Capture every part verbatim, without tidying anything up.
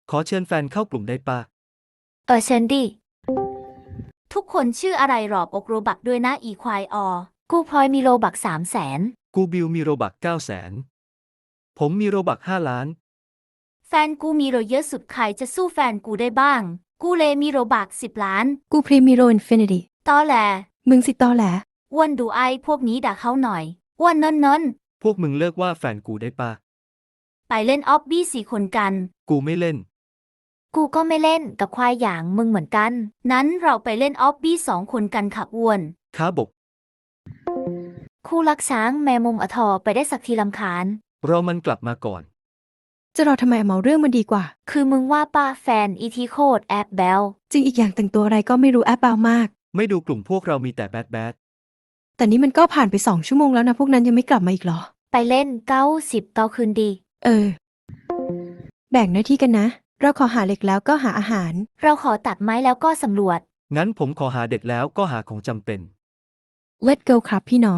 ขอเชิญแฟนเข้ากลุ่มได้ปะเออเชิญดิทุกคนชื่ออะไรหรอบอกโรบักด้วยนะอีควายออกูพลอยมีโรบักสามแสนกูบิวมีโรบักเก้าแสนผมมีโรบักห้าล้านแฟนกูมีโรเยอะสุดใครจะสู้แฟนกูได้บ้างกูเลยมีโรบักสิบล้านกูพรีมีโรอินฟินิตี้ตอแหลมึงสิตอแหลอ้วนดูไอ้พวกนี้ด่าเขาหน่อยอ้วนนนนนพวกมึงเลิกว่าแฟนกูได้ปะไปเล่นออบบี้สี่คนกันกูไม่เล่นกูก็ไม่เล่นกับควายอย่างมึงเหมือนกันนั้นเราไปเล่นออบบี้สองคนกันค่ะอ้วนค้าบกคู่รักช้างแมมุมอทอไปได้สักทีลำคาญรอมันกลับมาก่อนจะรอทำไมเมาเรื่องมันดีกว่าคือมึงว่าป้าแฟนอีทีโคดแอบแบลจริงอีกอย่างแต่งตัวอะไรก็ไม่รู้แอปเบามากไม่ดูกลุ่มพวกเรามีแต่แบดแบดแต่นี่มันก็ผ่านไปสองชั่วโมงแล้วนะพวกนั้นยังไม่กลับมาอีกเหรอไปเล่นเก้าสิบเก้าคืนดีเออแบ่งหน้าที่กันนะเราขอหาเหล็กแล้วก็หาอาหารเราขอตัดไม้แล้วก็สำรวจงั้นผมขอหาเด็กแล้วก็หาของจำเป็น Let go ครับพี่น้อง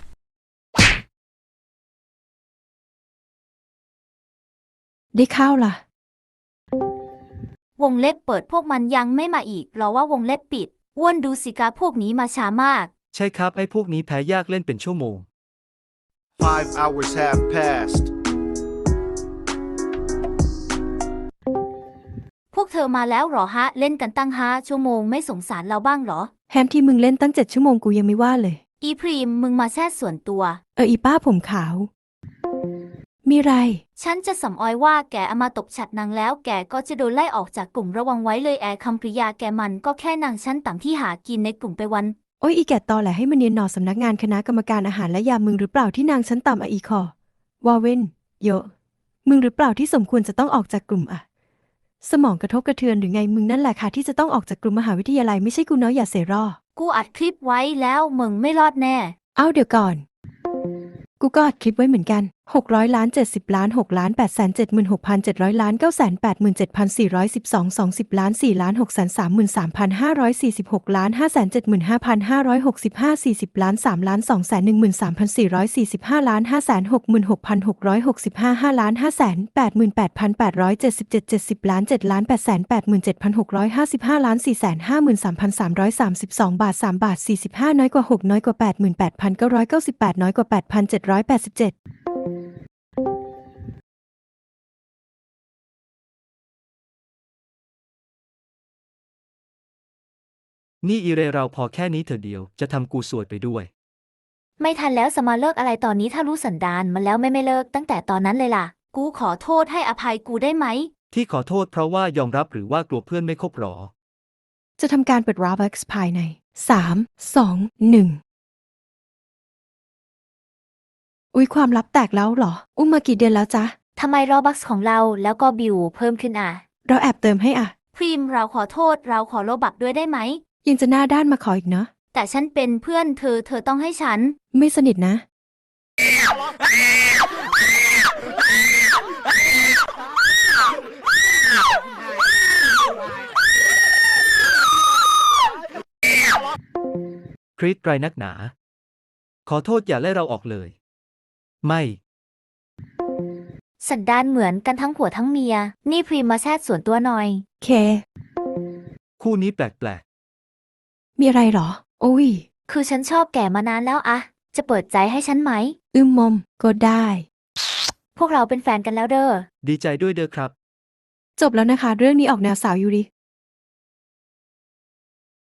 ได้ข้าวล่ะวงเล็บเปิดพวกมันยังไม่มาอีกรอว่าวงเล็บปิดอ้วนดูสิกาพวกนี้มาช้ามากใช่ครับไอ้พวกนี้แพ้ยากเล่นเป็นชั่วโมง Five hours have passed. พวกเธอมาแล้วหรอฮะเล่นกันตั้งห้าชั่วโมงไม่สงสารเราบ้างหรอแฮมที่มึงเล่นตั้งเจ็ดชั่วโมงกูยังไม่ว่าเลยอีพรีมมึงมาแทรกส่วนตัวเอออีป้าผมขาวมีไรฉันจะสำออยว่าแกเอามาตบฉัดนางแล้วแกก็จะโดนไล่ออกจากกลุ่มระวังไว้เลยแอร์คำกริยาแกมันก็แค่นางชั้นต่ำที่หากินในกลุ่มไปวันโอ้ยอีแกตอแหละให้มันเนียนหนอสำนักงานคณะกรรมการอาหารและยามึงหรือเปล่าที่นางชั้นต่ำอะอีคอวาเวนโยมึงหรือเปล่าที่สมควรจะต้องออกจากกลุ่มอะสมองกระทบกระเทือนหรือไงมึงนั่นแหละค่ะที่จะต้องออกจากกลุ่มมหาวิทยาลัยไม่ใช่กูเนาะอย่าเสรอกูอัดคลิปไว้แล้วมึงไม่รอดแน่เอ้าเดี๋ยวก่อนกูก็อัดคลิปไว้เหมือนกันหกร้อยล้านเจ็ดสิบล้านหกล้านแปดแสนเจ็ดหมื่นหกพันเจ็ดร้อยล้านเก้าแสนแปดหมื่นเจ็ดพันสี่ร้อยสิบสองสองสิบล้านสี่ล้านหกแสนสามหมื่นสามพันห้าร้อยสี่สิบหกล้านห้าแสนเจ็ดหมื่นห้าพันห้าร้อยหกสิบห้าสี่สิบล้านสามล้านสองแสนหนึ่งหมื่นสามพันสี่ร้อยสี่สิบห้าล้านห้าแสนหกหมื่นหกพันหกร้อยหกสิบห้าห้าล้านห้าแสนแปดหมื่นแปดพันแปดร้อยเจ็ดสิบเจ็ดเจ็ดสิบล้านเจ็ดล้านแปดแสนแปดหมื่นเจ็ดพันหกร้อยห้าสิบห้าล้านสี่แสนห้าหมื่นสามพันสามร้อยสามสิบสองบาทสามบาทสี่สิบห้าน้อยกว่าหกน้อยกว่าแปดหมื่นแปดพันเก้าร้อยเก้าสิบแปดน้อยกว่าแปดพันเจ็ดร้อยแปดสิบเจ็ดนี่อีเรเราพอแค่นี้เถอะเดียวจะทำกูสวยไปด้วยไม่ทันแล้วสมาเลิกอะไรตอนนี้ถ้ารู้สันดานมันแล้วไม่ไม่เลิกตั้งแต่ตอนนั้นเลยล่ะกูขอโทษให้อภัยกูได้ไหมที่ขอโทษเพราะว่ายอมรับหรือว่ากลัวเพื่อนไม่คบหรอจะทำการเปิด Robux ภายในสาม สอง หนึ่งอุ๊ยความลับแตกแล้วเหรออุ้มมากี่เดือนแล้วจ๊ะทำไมรอบัคของเราแล้วก็บิวเพิ่มขึ้นอ่ะเราแอบเติมให้อ่ะพรีมเราขอโทษเราขอโลบักด้วยได้ไหมยังจะหน้าด้านมาขออีกเนาะแต่ฉันเป็นเพื่อนเธอเธอต้องให้ฉันไม่สนิทนะคริสไรนักหนาขอโทษอย่าไล่เราออกเลยไม่สันดานเหมือนกันทั้งผัวทั้งเมียนี่พรีมมาแทรกส่วนตัวหน่อยเคคู่นี้แปลกๆมีอะไรหรอโอ้ยคือฉันชอบแกมานานแล้วอะจะเปิดใจให้ฉันไหมอึมมมก็ได้พวกเราเป็นแฟนกันแล้วเด้อดีใจด้วยเด้อครับจบแล้วนะคะเรื่องนี้ออกแนวสาวยูริ